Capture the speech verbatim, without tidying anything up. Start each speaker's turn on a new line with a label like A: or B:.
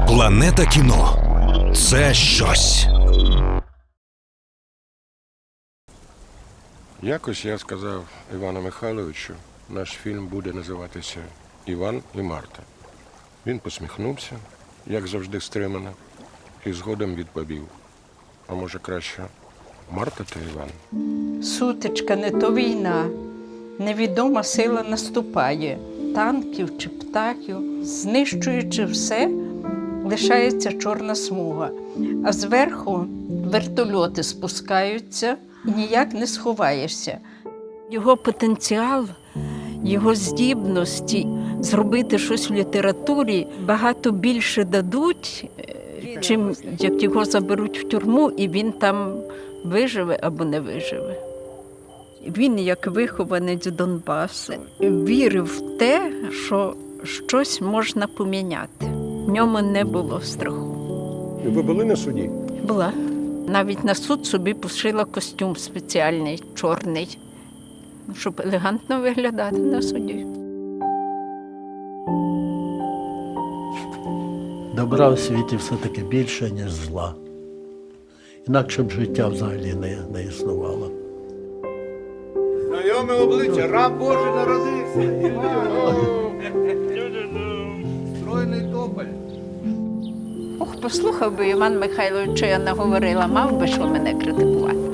A: Планета кіно – це щось.
B: Якось я сказав Івану Михайловичу, наш фільм буде називатися «Іван і Марта». Він посміхнувся, як завжди стримано, і згодом відповів: а може краще Марта та Іван?
C: Сутичка не то війна, невідома сила наступає. Танків чи птахів, знищуючи все, лишається чорна смуга. А зверху вертольоти спускаються, і ніяк не сховаєшся. Його потенціал, його здібності зробити щось в літературі багато більше дадуть, чим як його заберуть в тюрму, і він там виживе або не виживе. Він, як вихованець Донбасу, вірив в те, що щось можна поміняти. В ньому не було страху.
B: Ви були на суді?
C: Була. Навіть на суд собі пошила костюм спеціальний, чорний, щоб елегантно виглядати на суді.
D: Добра в світі все-таки більше, ніж зла. Інакше б життя взагалі не, не існувало.
E: Знайоме обличчя, раб Божий народився. Стройний тополь.
C: Ох, послухав би Іван Михайлович, що я наговорила, мав би що мене критикувати.